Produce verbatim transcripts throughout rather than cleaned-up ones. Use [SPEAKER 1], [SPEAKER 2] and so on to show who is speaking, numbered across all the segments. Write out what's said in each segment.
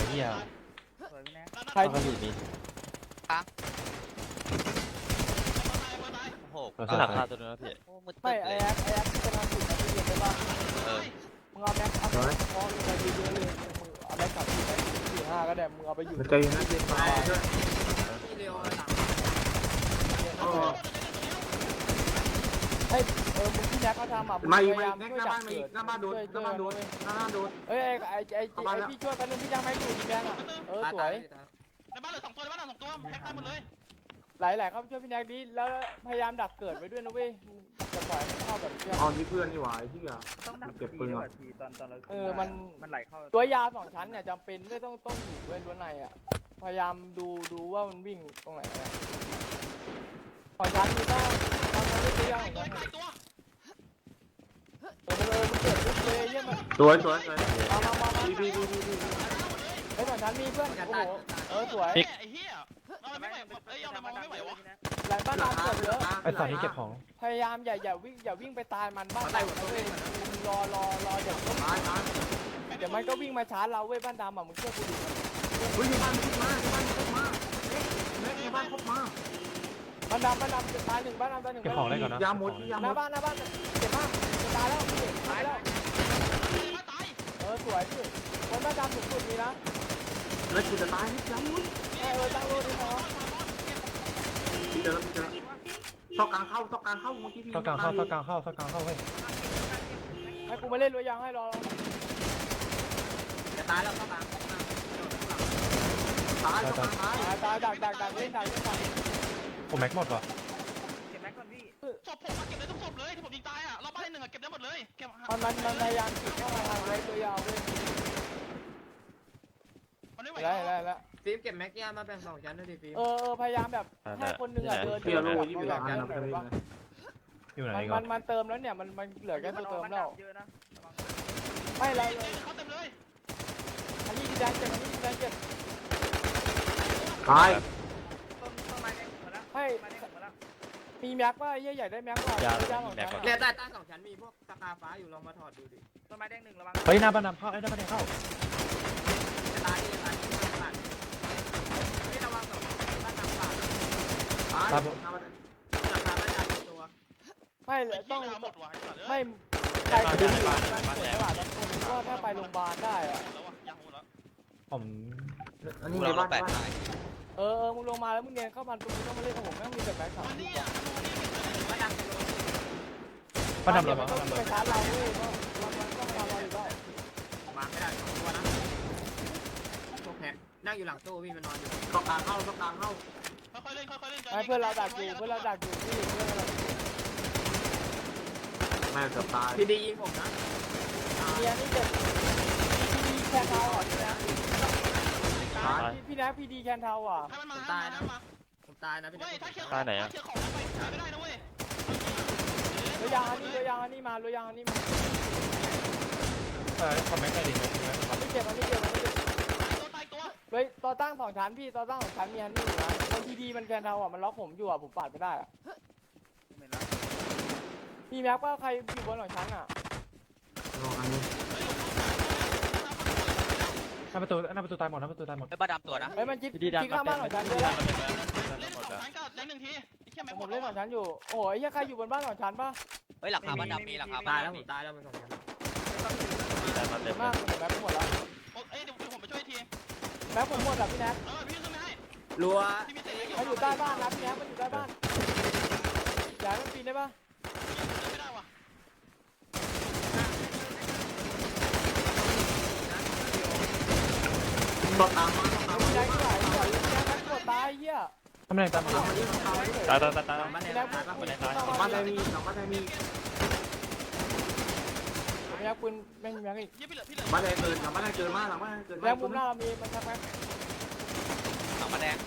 [SPEAKER 1] เหี้ย
[SPEAKER 2] ใคร
[SPEAKER 1] ต้องกระบี่มี
[SPEAKER 3] โอ้โห
[SPEAKER 1] เราสลับคาตัวนึงแล้วพี่
[SPEAKER 3] โอ้มืด
[SPEAKER 2] ไม่
[SPEAKER 3] ตึ๊ด
[SPEAKER 2] ไอ้
[SPEAKER 3] เลย
[SPEAKER 2] แอ๊กไอ้แอ๊กจะมาสุดนะพี่เย็นได้ป่ะ
[SPEAKER 3] เออ
[SPEAKER 2] มึงเอาแม็กเอาพอลงไปเยอะๆเลยมึงเอาแม็กกลับที่ไปสี่ห้าก็ได้มึงเอาไปอยู่
[SPEAKER 4] ใจเย็นนะเย็นมาด้วย
[SPEAKER 2] ให้เออมึงที่แม็กเขาทำอ่ะมึง
[SPEAKER 4] มา
[SPEAKER 2] พ
[SPEAKER 4] อีก
[SPEAKER 2] ยายาม
[SPEAKER 4] แม็ก
[SPEAKER 2] ช่วย
[SPEAKER 4] หน้า
[SPEAKER 2] ดั
[SPEAKER 4] บ้าก นมา
[SPEAKER 2] เกิ
[SPEAKER 4] อี
[SPEAKER 2] ด
[SPEAKER 4] กหน้าบ้านโดน
[SPEAKER 2] ช่วย
[SPEAKER 4] หน้าบ้านโดน
[SPEAKER 2] ช่วย
[SPEAKER 4] หน้าบ้านโดน
[SPEAKER 2] เอ้ยไอ้ไอ้ไอ้ไอ้พี่ช่วยกันนึงพี่ยังไม่อยู่ที่แม็กอ่ะเออสวย
[SPEAKER 5] ในบ้านเหลือสองตัวในบ้านเหลือสองตัวแพ็คได้หมดเลย
[SPEAKER 2] หลายๆเขาช่วยพี่แม็กดิแล้วพยายามดักเกิดไว้ด้วยนะเว้ยจะปล่อยให้เข้าแบบเชื่อ
[SPEAKER 4] อ๋อนี่เพื่อนนี่หว่าไอ้ที่อ่ะ
[SPEAKER 6] ต้องดัก
[SPEAKER 4] เก็บปืนก่อน
[SPEAKER 6] ทีตอนตอนเรา
[SPEAKER 2] เออมัน
[SPEAKER 6] มันไหลเข้า
[SPEAKER 2] ตัวยาสองชั้นเนี่ยจำเป็นไม่ต้องต้องอยู่เว้ยรั้วในอ่ะพยายามดูดูว่ามันวิ่งตรงไหนอะสองชั้นมีต้องตอนนั้นไม่ตัวยา
[SPEAKER 5] ไอ้
[SPEAKER 2] ของ
[SPEAKER 5] ตัว
[SPEAKER 2] ชั้น
[SPEAKER 5] ไอ้ตัว
[SPEAKER 2] เออเออมันเกิดปุ๊บเลยเยี่ยมมัน
[SPEAKER 4] สวยสวยสวย
[SPEAKER 2] มามามามา
[SPEAKER 4] ดีดีดีดีดี
[SPEAKER 2] ไอ้สองชั้นมีเพื่อนโอ้โหเออสวย
[SPEAKER 5] ไอ้เหี้ยเราไม่ไหวเอ้ยเราไม่ไหววะ
[SPEAKER 2] หลายบ้านเราเกิดเยอะ
[SPEAKER 1] ไอ้ตอนนี้เก็บของ
[SPEAKER 2] พยายามอย่าอย่าวิ่งอย่าวิ่งไปตายมันบ้านเราเว้ยรอรอรอเดี๋ยวก็
[SPEAKER 4] ตายตาย
[SPEAKER 2] เดี๋ยวมันก็วิ่งมาชาร์จเราเว้ยบ้านดำอ่ะมึงเชื่อกูดิ
[SPEAKER 4] เฮ้ยในบ้านขึ้นมาในบ้านขึ้นมาแม็กในบ้านเข้ามา
[SPEAKER 2] บ้านดำบ้านดำจะตายหนึ่งบ้านดำตายหนึ่ง
[SPEAKER 1] เก็บของได้ก่อนนะ
[SPEAKER 4] ยาหมดยา
[SPEAKER 2] ห
[SPEAKER 4] หม
[SPEAKER 2] น้า
[SPEAKER 4] ด
[SPEAKER 2] บ้านหน้าบ้านเจ็บมากจะตายแล้วพี่ตายแล้ว
[SPEAKER 5] มาตาย
[SPEAKER 2] เออสวยพี่คนบ้านดำสุดสุดมีนะ
[SPEAKER 4] แล้วกูจะตายนี่ยาหมด
[SPEAKER 2] เออตั้งโลดีพอ
[SPEAKER 4] พี่เจอแล้วพี่เจอแล้วซอกกลางเข้าซอกกลางเข้าเมื่อกี้พี่
[SPEAKER 1] เข้ากลางเข้าเข้ากลางเข้าเข้ากลางเข้าเว้ย
[SPEAKER 2] ให้กูมาเล่นรัวยางให้รอ
[SPEAKER 6] จะตายแล้วเข้ามา
[SPEAKER 4] ตายซอกกลางตาย
[SPEAKER 2] ตายตายดักดักดักเล่นดักเล่นดัก
[SPEAKER 1] ผมแม็กหมดว่ะ
[SPEAKER 6] เก็บแม็กก่อนพี่
[SPEAKER 5] ศพผมมาเก็บได้ทุกศพเลยที่ผมยิงตายอ่ะเราบ้านหนึ่งอ่ะเก็บได้หมดเลยเก็บ
[SPEAKER 2] มันมันมันพยายามจิกเข้ามาทางไรตัวยาวเว้ย
[SPEAKER 5] มันไม่ไหว
[SPEAKER 2] ได้ได้แล้ว
[SPEAKER 6] ฟิล์มเก็บแม็กยามาแบ่งสองชั้นด้วยดิฟิล์ม
[SPEAKER 2] เออเออพยายามแบบให้คนหนึ่งอ่ะเดิน
[SPEAKER 4] พี่เราโลยี่สิบ
[SPEAKER 2] แบ
[SPEAKER 4] ล้า
[SPEAKER 2] บ
[SPEAKER 4] น
[SPEAKER 2] นั้น
[SPEAKER 4] นะ
[SPEAKER 2] หน่อย
[SPEAKER 4] พี่
[SPEAKER 2] ว่า
[SPEAKER 1] อยู่ไหน
[SPEAKER 2] มัน
[SPEAKER 1] ก่
[SPEAKER 2] มั
[SPEAKER 1] อน
[SPEAKER 2] นมันเติมแล้วเนี่ยมันมันเหลือแค่ตัวเติมแล้ว
[SPEAKER 6] เยอะนะ
[SPEAKER 2] ไม่ไร
[SPEAKER 5] เต็
[SPEAKER 2] เล
[SPEAKER 5] ม
[SPEAKER 2] ย
[SPEAKER 5] เลยเขาเต็มเลย
[SPEAKER 2] อันนี้ดีแดงเจ็บอันนี้ดีแดงเจ็บ
[SPEAKER 4] ตาย
[SPEAKER 6] ต้นต้นไม้แดงหมดแล้ว
[SPEAKER 2] ให้
[SPEAKER 6] ไม้แดงหมดแล้ว
[SPEAKER 2] มีแม็กว่าเยี่ยใหญ่ได้แม็กว่าตัวยาวของฉัน
[SPEAKER 6] เนี่ยใต้ใต้สองชั้นมีพวกสกาฟ้าอยู่ลองมาถอดดูดิต้นไม้แดงหนึ่งระวัง
[SPEAKER 1] เฮ้ยหน้าบ้านนำเข้าไอ้หน้าบ้านนำเข้า
[SPEAKER 6] จะตายจะตายจะตายนี่ระวังสองบ้านน้ำป่า
[SPEAKER 4] ตาย
[SPEAKER 6] ราคาไม่จ่ายตัว
[SPEAKER 2] ไม่
[SPEAKER 5] ไอ้
[SPEAKER 2] ต้
[SPEAKER 5] เหี้
[SPEAKER 2] อย ง
[SPEAKER 5] หมดว่ะ
[SPEAKER 2] ไม่ใครจะดูมันเปิดตลาดแล้วคนก็ถ้าไปโรงพยาบาลได้อะ
[SPEAKER 5] แล้วอ่ะยังหมดแล้ว
[SPEAKER 1] ผม
[SPEAKER 4] อันนี้
[SPEAKER 3] กู
[SPEAKER 4] ใน
[SPEAKER 3] เรา
[SPEAKER 4] บ้าน
[SPEAKER 3] แปด
[SPEAKER 4] บ้าน
[SPEAKER 3] ตาย
[SPEAKER 2] เออเออมึงลงมาแล้วมึงเดินเข้ามาตรงนี้ต้องมาเล่นกับผมแม่งมีแต่แม็กสาม
[SPEAKER 5] มัน
[SPEAKER 2] ลู
[SPEAKER 5] นี่
[SPEAKER 2] ก
[SPEAKER 5] อ่ะ
[SPEAKER 6] บ้านน้ำ
[SPEAKER 1] บ้านดำเรา
[SPEAKER 2] มั
[SPEAKER 1] บ้าน น
[SPEAKER 2] ต้อง
[SPEAKER 1] ดำ
[SPEAKER 2] ไป
[SPEAKER 1] เรา
[SPEAKER 2] ชาร์จเราเว้ยเพราะมันต้องมาเราอยู่ได้
[SPEAKER 6] มาไม่ได้สองตัวนะพวกแพ็คนั่งอยู่หลังตู้พี่มันนอนอยู่
[SPEAKER 4] ซอกกลางเข้าซอกกลางเข้า
[SPEAKER 5] ค่อยๆเล่นค่อยๆเล่น
[SPEAKER 2] ไอ้เพื่อนเราดักอยู่เพื่อนเราดักอยู่พี่เพื่อนเรา
[SPEAKER 4] แม่เกือบตาย
[SPEAKER 6] พี่ดียิงผมนะ
[SPEAKER 2] มีอันนี้เจ็บพีดีแคนเทาอ่ะพี่นะพี่นะพีดีแคนเทาอ่ะ
[SPEAKER 5] ให้มันมาให้มันมา
[SPEAKER 6] ผมตายนะพี่
[SPEAKER 5] เว้ยถ้าเคี้ยวถ้าเคี้ยวของไปขายไม่ได้นะเว้ย
[SPEAKER 2] รถยางอันนี้รถยางอันนี้มารถยางอันนี้มา
[SPEAKER 1] เออคอมแม็กได้ดิ
[SPEAKER 2] อันนี้เจ็บอันนี้เจ็บอันนี้เจ็บ
[SPEAKER 5] ตายตัว
[SPEAKER 2] เฮ้ยต่อตั้งสองชั้นพี่ต่อตั้งสองชั้นมีอันนี้อยู่นะมันพีดีมันแคนเทาอ่ะมันล็อกผมอยู่อ่ะผมปาดไม่ได้อ่ะมีแม็กว่าใครอยู่บนสองชั้นอ่ะ
[SPEAKER 4] ลองอันนี้
[SPEAKER 1] หน้าประตูหน้าประตูตายหมดหน้าประตูตายหมด
[SPEAKER 3] ไอ้บ้าดำตัวนะ
[SPEAKER 2] เฮ้ยมันจิ๊บจิ๊กข้างบ้านสองชั้นด้วยนะ
[SPEAKER 5] เล่นสองชั้นก็เล่นหนึ่งทีไอ้เหี้ยแม่งห
[SPEAKER 2] ผม ม
[SPEAKER 5] ด
[SPEAKER 2] เล่นสองชั้นอยู่โอ้ยยังใครอยู่บนบ้านสองชั้นปะ
[SPEAKER 3] เฮ้ยหลังคาบ้านดำมีหลังคา
[SPEAKER 6] ตา
[SPEAKER 3] บ้าย น
[SPEAKER 6] แล้ว
[SPEAKER 3] ดำ
[SPEAKER 6] ผ
[SPEAKER 3] มี
[SPEAKER 6] มตายแล้วมันสองชั้น
[SPEAKER 2] เจ็บมากแม็กหมดแล้ว
[SPEAKER 5] เอ้ยเดี๋ยวผมไปช่วยที
[SPEAKER 2] แม็กผมหมดอ่ะพี่แน็ก
[SPEAKER 5] เออพี่ขึ้นไม่ให้
[SPEAKER 6] รัว
[SPEAKER 5] พี่มีเตะ
[SPEAKER 2] มันอยู่ใต้บ้านนะพี่แน็กมันอยู่ใต้บ้านย้ายมันปีนได้ปะ
[SPEAKER 5] ไม่ได้ว่ะ
[SPEAKER 4] ซอกกลางมาซอกกลาง
[SPEAKER 2] พี่แน็
[SPEAKER 4] มาก
[SPEAKER 2] ที่ไหนพี่แน็กแม็กกดตายเหี้ย
[SPEAKER 1] ทำไมตามมา
[SPEAKER 4] มาดิซอกกลางมาดิ
[SPEAKER 1] ตายตายตายตาย
[SPEAKER 6] บ้านแด
[SPEAKER 2] พี่
[SPEAKER 6] ง
[SPEAKER 2] แน็ก
[SPEAKER 6] ตายปะ
[SPEAKER 2] ปืน
[SPEAKER 4] บ้านใดมีสองบ้านใดมี
[SPEAKER 2] พี่แน็กปืนแม่งแม็กอีก
[SPEAKER 5] เหี้ยพี่เหลือพี่เหลือ
[SPEAKER 4] บ้านใดเกินหลังบ้านใดเกินมากหลังบ้านใดเกิน
[SPEAKER 2] แม็กมุมหน้าเรามีมันชักแม็ก
[SPEAKER 3] หลังมาแดง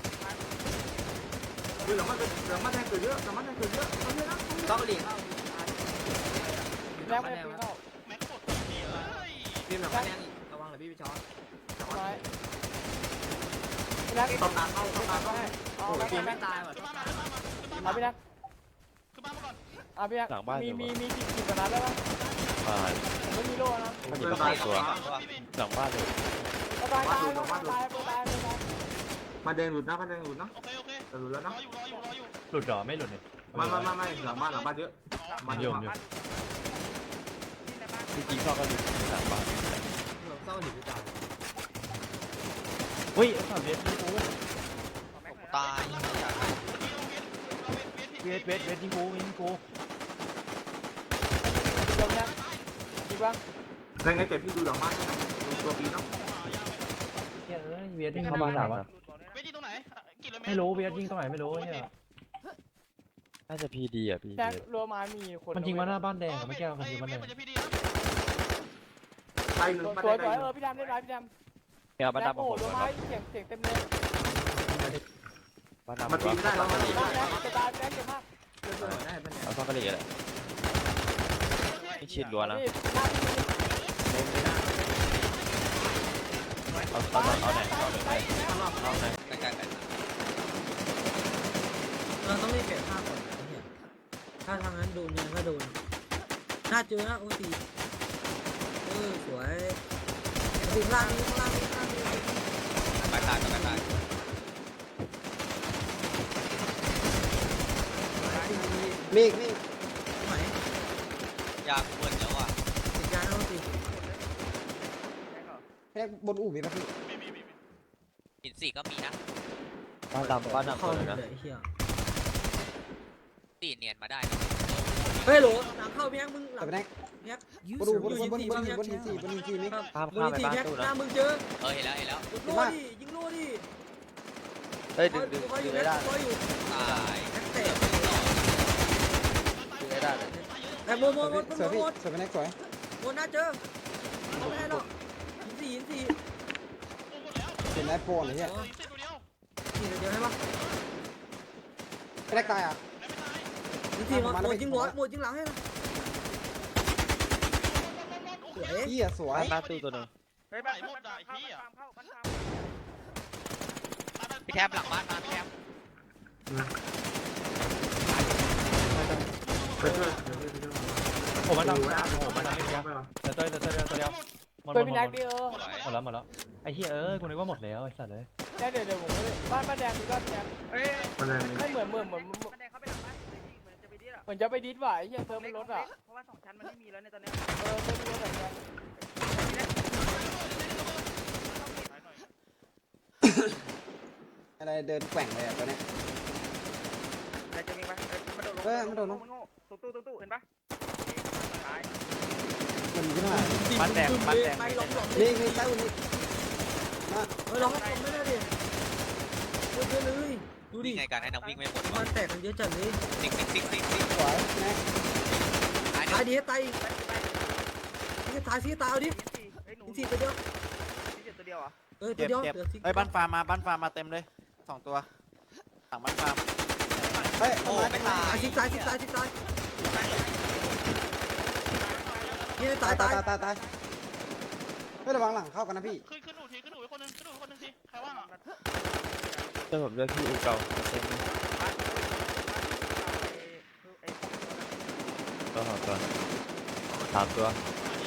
[SPEAKER 4] คือหลังบ้านหลังบ้านใดเกินเยอะหลังบ้านใดเกินเยอะเอาเยอะนะ
[SPEAKER 6] ต้องหลีกเข้า
[SPEAKER 2] แม็กไม่ได้ปืนเข้า
[SPEAKER 5] แม็กกดทีเอ้ย
[SPEAKER 6] พี่แบบบ้านแดงอีกระวังเลยพี่ไปช็อต
[SPEAKER 2] ไม้พี่แน็ก
[SPEAKER 4] ซอกกลางเข้าซอกกลางเข้า
[SPEAKER 2] เอาแม็ก
[SPEAKER 6] พี่
[SPEAKER 2] แม็
[SPEAKER 6] ไม่
[SPEAKER 2] ก
[SPEAKER 6] ตายว่ะ
[SPEAKER 5] ขึ้นบ้านมาขึ้นบ้านมาขึ้นบ้าน
[SPEAKER 2] เอา
[SPEAKER 5] มา
[SPEAKER 2] พี่แน็ก
[SPEAKER 5] ขึ้นบ้านมาก่อน
[SPEAKER 2] เอาพี่แน็กมีมีมีกี่กี่กว่านัดได้ปะ
[SPEAKER 1] ตาย
[SPEAKER 2] ผมไม่มีโล่นะ
[SPEAKER 1] มันอยู่ตรงไหนตัว
[SPEAKER 5] พี่มี
[SPEAKER 1] หลังบ้านเลย
[SPEAKER 2] ก็ตายตายตายตายตาย
[SPEAKER 4] มาแดงหลุดนะมาแดงหลุดนะ
[SPEAKER 5] โอเคโอเค
[SPEAKER 4] แต่หลุดแล้ว
[SPEAKER 5] ร
[SPEAKER 4] นะ
[SPEAKER 5] ออยู่รออยู่รออยู่
[SPEAKER 1] หลุดเหรอไม่หลุดเนี่ย
[SPEAKER 4] ไม่ไม่ไม่ไม่หลังบ้านหลังบ้านเยอะ
[SPEAKER 1] มันโยมอยู่
[SPEAKER 7] จริงๆชอบก็ดูสามบาท
[SPEAKER 6] เราเศร้าหรือตาย
[SPEAKER 1] เฮ้ยไอ้สัตว์เวทยิงกู
[SPEAKER 3] ตาย
[SPEAKER 1] เวทเวทเวทยิงกูยิงกู
[SPEAKER 2] ลงนะดีบ้าง
[SPEAKER 4] ในไงเก็บพี่ดูหลังบ้านนะดูตัวปีเนาะ
[SPEAKER 1] เฮ้ยเอ้ยเวทยิงเข้ามาหนาวะ
[SPEAKER 5] เวทีตรงไหนกี่เลย
[SPEAKER 1] ไม่รู้เวทยิงตรงไหนไม่รู้เนี่ย
[SPEAKER 7] น่าจะพีดีอ่ะพี
[SPEAKER 2] แจ็ค
[SPEAKER 7] ดี
[SPEAKER 2] รัวไม้มีคน
[SPEAKER 1] มันยิงมาหน้าบ้านแดงอะไม่แก้วมันยิง
[SPEAKER 5] เว
[SPEAKER 1] มันแด
[SPEAKER 5] ท
[SPEAKER 1] ง
[SPEAKER 5] มันจะพี่ดีนะ
[SPEAKER 4] ไปหนึ่ง
[SPEAKER 2] ส
[SPEAKER 4] มา
[SPEAKER 2] วย
[SPEAKER 4] แด
[SPEAKER 2] สวย
[SPEAKER 4] ง
[SPEAKER 2] เออพี่ดำได้ไรพี่ดำ
[SPEAKER 7] เนี่ยบ้าน
[SPEAKER 2] แจ็ค
[SPEAKER 7] ดำ
[SPEAKER 2] โอ้
[SPEAKER 7] ของผม
[SPEAKER 2] รัวไม้เสียงเสียงเต็มเลย
[SPEAKER 7] บ้านดำ
[SPEAKER 4] มาตีไม่ได้แล้ว
[SPEAKER 2] บ้านแจ็คจะตายแจ็คเจ็บมาก
[SPEAKER 7] เอาซ่อนกระเหลี่ยแหละไม่ชิดล้วนนะ
[SPEAKER 2] นี่หน้าพี่
[SPEAKER 7] เอาเอาเอาไหนเอาไหนเอาไหน
[SPEAKER 3] ใกล้ๆกัน
[SPEAKER 8] เราต้องรีบเก็บภาพก่อนนะเนี่ยถ้าทางนั้นโดนยังก็โดนน่าเจอนะโอ้ตีเออสวยถึงล่างนี้ข้างล่างนี้ข้างล่างนี้
[SPEAKER 3] ไปตายไปตาย
[SPEAKER 8] มีอีกมีไหน
[SPEAKER 3] ยากเปิดแล้วอ่ะ
[SPEAKER 8] ติดยาแล้วตี
[SPEAKER 6] แค่บนอู่มีป่ะพี่
[SPEAKER 5] มีมีมี
[SPEAKER 3] หินสี่ก็มีนะ
[SPEAKER 7] บ้านดำบ้านดำ
[SPEAKER 8] เข้า
[SPEAKER 7] เล
[SPEAKER 8] เลย
[SPEAKER 7] ยนะ
[SPEAKER 8] ไอ้เหี้ย
[SPEAKER 3] สี่เนียนมาได้
[SPEAKER 8] เฮ้ยโหลหลังเข้าพี่แอ๊กมึงหลั
[SPEAKER 6] แต่
[SPEAKER 8] ง
[SPEAKER 6] ไม่ได้
[SPEAKER 8] พี่แอ๊ก
[SPEAKER 6] บนอู่บนบนบนบนบนหินสี่บนหินสี่นี่
[SPEAKER 7] ข้าม
[SPEAKER 8] บน
[SPEAKER 7] ข้ามไป
[SPEAKER 8] ที
[SPEAKER 7] บ้าน
[SPEAKER 8] แอ๊ก
[SPEAKER 7] ตู้
[SPEAKER 8] ห
[SPEAKER 7] นะ
[SPEAKER 8] น้ามึงเจอ
[SPEAKER 3] เออเห็นแล้วเห็นแล้ว
[SPEAKER 8] ยิงโล่ดิยิงโล่ดิ
[SPEAKER 7] เฮ้ยดึงดึง
[SPEAKER 8] คอยอ
[SPEAKER 7] ดึ
[SPEAKER 8] ยู่
[SPEAKER 7] ง
[SPEAKER 8] แล้
[SPEAKER 7] ได้
[SPEAKER 8] วคอยอยู่
[SPEAKER 3] ตาย
[SPEAKER 8] แอ๊กเตะ
[SPEAKER 7] ดึงได้เลย
[SPEAKER 8] แต่โมโม
[SPEAKER 6] สวย
[SPEAKER 8] โม
[SPEAKER 6] พี่สวย
[SPEAKER 8] โม
[SPEAKER 6] พี่
[SPEAKER 8] โม
[SPEAKER 6] สวยเป็นแน็กสวย
[SPEAKER 8] โมน่าเจอไม่ได้หรอกหินสี่หินสี่
[SPEAKER 6] เห็นไอ้โปนเลยเนี่ย
[SPEAKER 5] เส้นตัวเดียว
[SPEAKER 8] หินเดียวให้ปะ
[SPEAKER 6] ไม่ได้ตายอ่ะ
[SPEAKER 8] หินสี่หมดหมดจริงหัวหมดจริงหลังให้นะสวย
[SPEAKER 6] พี่อ่ะสวย
[SPEAKER 7] บ้านบ้านตู้ตัวหนึง
[SPEAKER 5] เฮ้ยบ้านหมดอ่ะไอ้พี่อ่ะ
[SPEAKER 3] พี่แทบหลังบ้านมาพี่แทบ
[SPEAKER 4] ไปช่วยเดี๋ยวไปช่วย
[SPEAKER 1] ผมมัน
[SPEAKER 4] ดู
[SPEAKER 1] ดำ
[SPEAKER 4] นะ
[SPEAKER 1] ผมมันดำไม่เดียว
[SPEAKER 4] ไปหรอ
[SPEAKER 1] เดี๋ยวเดี๋ยวเดี๋ยวเดี๋ยวเดี๋ยวหมดหม
[SPEAKER 2] เค
[SPEAKER 1] ด
[SPEAKER 2] ย
[SPEAKER 1] หม
[SPEAKER 2] พี่
[SPEAKER 1] ด
[SPEAKER 2] แจ็คดิเออ
[SPEAKER 1] หมดแล้วหมดแล้วไอ้เหี้ยเอ้ยกูนึกว่าหมดแล้วไอ้สัตว์เลย
[SPEAKER 2] เดี๋ยวเดี๋ยวเดี๋ยวผมบ้านบ้านแดงมีบ้านแดง
[SPEAKER 4] มาแดง
[SPEAKER 2] ไม่เหมือนเหมือนเหมือนเหมือนจะไปดิสว่ะไอ้เหี้ยเติมไม่ลดอ่ะ
[SPEAKER 6] เพราะว่าสองชั้นมันไม่มีแล้วในตอนนี้
[SPEAKER 2] เออเติมไม่ลดแบบนี้
[SPEAKER 6] อะไรเดินแกว่งเลยอ่ะตอนนี้
[SPEAKER 9] อะไรจะมีปะมันโดดลง
[SPEAKER 6] เออมันโดดลง
[SPEAKER 9] มันโง่ตุ๊ตู้ตุ๊ตู้เห็นปะตาย
[SPEAKER 6] มันขึ้นมา
[SPEAKER 7] บ้านแดงบ้านแดง
[SPEAKER 8] ไปล้อมหลอม
[SPEAKER 6] นี่นี่ใต้อุ่นนี่มา
[SPEAKER 8] เออล้อมหลอมไม่ได้ดิเยอะเลยดูดิ
[SPEAKER 3] นี่ไงการให้น้ำวิ่งไม่หมด
[SPEAKER 8] มันแตกกันเยอะจัดเลย
[SPEAKER 3] ติ๊กติ๊กติ๊กติ๊กติ๊ก
[SPEAKER 6] สวยแน็ก
[SPEAKER 3] ตาย
[SPEAKER 8] ตาย
[SPEAKER 3] เนี่ย
[SPEAKER 8] ดิตายนี่ตายสิตายเอาดิ
[SPEAKER 9] เฮ้ยหนู
[SPEAKER 8] อีกสี่ตัวเดียว
[SPEAKER 9] นี่เจ็บตัวเดียวอ่ะ
[SPEAKER 8] เออตัวเดียวเดี๋ยว
[SPEAKER 7] ไอ้บ้านฟาร์มมาบ้านฟาร์มมาเต็มเลยสองตัวหลังบ้านฟาร์ม
[SPEAKER 6] เฮ้ย
[SPEAKER 3] โอ้ไม่ตาย
[SPEAKER 8] สิตายสิตายสิตายนี่ตา
[SPEAKER 6] ตาย ย
[SPEAKER 8] ตา
[SPEAKER 6] ตาย ยตายตายไม่ระวังหลังเข้ากันนะพี่
[SPEAKER 5] ขึ้นขึ้นหนูทีขึ้นหนูไปคนนึงขึ้นหนูไปคนนึงทีใครว่างอ่ะ
[SPEAKER 7] เจ้าผมเลือกที่อูเก่าเต็มตัวสองตัวสามตัว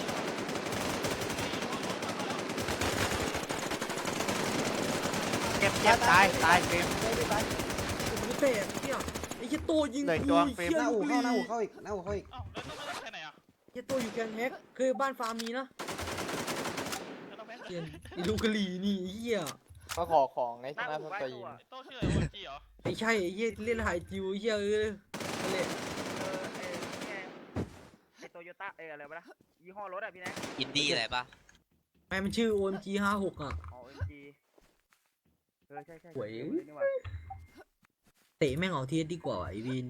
[SPEAKER 7] เก็บเก็บตายตายเฟรม
[SPEAKER 8] กูเตะเที่ยไอ้เหี้ยโตยิง
[SPEAKER 6] หน้าอู่เข้าหน้าอู่เข้าอีกหน้าอู่เข้าอีก
[SPEAKER 5] อ้าวแล้วต้องไปแค่ไหนอ่ะ
[SPEAKER 8] เหี้ยโตอยู่แกงแฮกคือบ้านฟาร์มมีนะ
[SPEAKER 5] แล้วต้องไป
[SPEAKER 8] เหี้ยไอ้ลูกกะหรี่นี่เหี้ย
[SPEAKER 2] มาขอของในชนะสตรีม
[SPEAKER 5] โต้ชื่ออะไรโอจีเหรอ
[SPEAKER 8] ไม่ใช่ไอ้เหี้ยเล่นหายจิวเหี้ยเออนั่นแหละ
[SPEAKER 9] เออไอ้นี่ไงไอ้โตโยต้าเอออะไรวะนะยี่ห้อรถอ่ะพี่แน็ก
[SPEAKER 3] อินดี้อะไรปะ
[SPEAKER 8] แม่มันชื่อ โอ เอ็ม จี ห้าหกอ่ะ
[SPEAKER 9] อ๋อเอ็มจีเออใช่ใช่
[SPEAKER 8] หวย
[SPEAKER 9] นี่หว่า
[SPEAKER 8] เตะแม่งออกทีดีกว่าไอ้วิน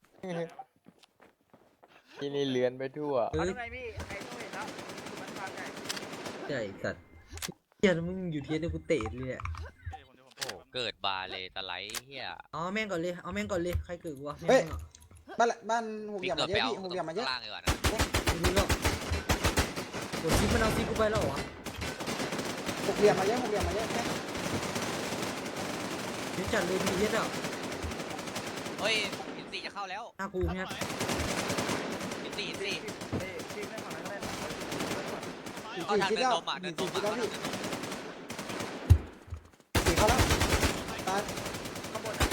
[SPEAKER 2] ที่นี่เลือนไปทั่ว
[SPEAKER 8] เอ
[SPEAKER 9] เอา
[SPEAKER 8] อ
[SPEAKER 9] ได้ไงพี่ไอ้โตเห็นแล้วมันฟังไง
[SPEAKER 8] ใช่สัตว์เหี้ยแล้วมึงอยู่ทีเนี่ยกูเตะเลยอ่ะ
[SPEAKER 3] โอ้เกิดบาเลยตะไลเฮีย
[SPEAKER 8] เอาแม่งก่อนเลยเอาแม่งก่อนเลยใครเกิดวะ
[SPEAKER 6] เฮ้ย
[SPEAKER 8] แม่งอะ
[SPEAKER 6] บ้านบ้านหกเห
[SPEAKER 3] พี่
[SPEAKER 6] ลี่ยม
[SPEAKER 3] เกิ
[SPEAKER 6] มา
[SPEAKER 3] ด
[SPEAKER 6] เย
[SPEAKER 3] ไป
[SPEAKER 6] อะ
[SPEAKER 3] เอา
[SPEAKER 6] พี่หกเหลี่ยมมาเยอะ
[SPEAKER 3] ล่างดีกว่านะ
[SPEAKER 8] ไม่รู้หรอกกดซิปมันเอาซิปกูไปแล้วเหรอ
[SPEAKER 6] หกเหลี่ยมมาเยอะหกเหลี่ยมมาเยอะแน็ก
[SPEAKER 8] เดี๋ยวจัดเลยพีเอสอ่ะ
[SPEAKER 3] เฮ้ยหินสี่จะเข้าแล้ว
[SPEAKER 8] หน้ากูเนี่ย
[SPEAKER 3] หินสี่หินสี่
[SPEAKER 9] เอ้ยพี่ไม่ฝั่งนั้นก็ได้
[SPEAKER 3] เอาทางเดินลมอ่ะเดิ
[SPEAKER 6] หิ
[SPEAKER 3] น
[SPEAKER 6] น
[SPEAKER 3] ล
[SPEAKER 6] สี่
[SPEAKER 3] ม
[SPEAKER 6] คิดแล้ว
[SPEAKER 3] อ่ะ
[SPEAKER 6] พี่
[SPEAKER 8] เอาแล้วตาย
[SPEAKER 9] ข้างบนนะ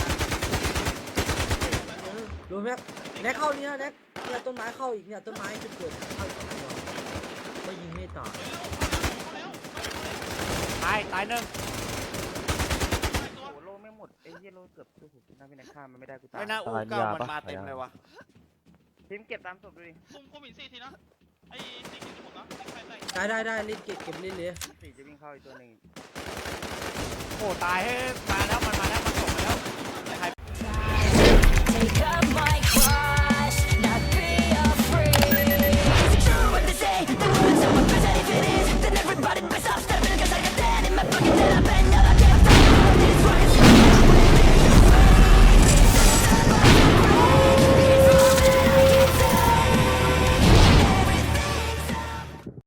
[SPEAKER 8] เออดูแม็กแน็กเข้านี่นะแน็กเนี่ยต้นไม้เข้าอีกเนี่ยต้นไม้จะเกิดเข้าอีกตัวก็ยิงไม่ตาย
[SPEAKER 6] ตายตายหนึ่ง
[SPEAKER 9] โอ้โลไม่หมดไอ้เหี้ยโลเกือบสู้ผมน่าเป็นข้ามมันไม่ได้กูตาย
[SPEAKER 6] ไม่น่าอูเก้ามันมาเต็มเลยวะ
[SPEAKER 9] ทีมเก็บตามศพดูดิ
[SPEAKER 5] คุมคุมหินสี่ทีนะไอ้สี่ทีผมนะใส่ใส่
[SPEAKER 8] ได้ได้ได้รีบเก็บเก็บรีบเลย
[SPEAKER 9] สี่จะวิ่งเข้าอีกตัวหนึ่ง
[SPEAKER 6] โอ้ตายให้มาแล้วมันมาแล้วมันจบมาแล้ว
[SPEAKER 10] Take up my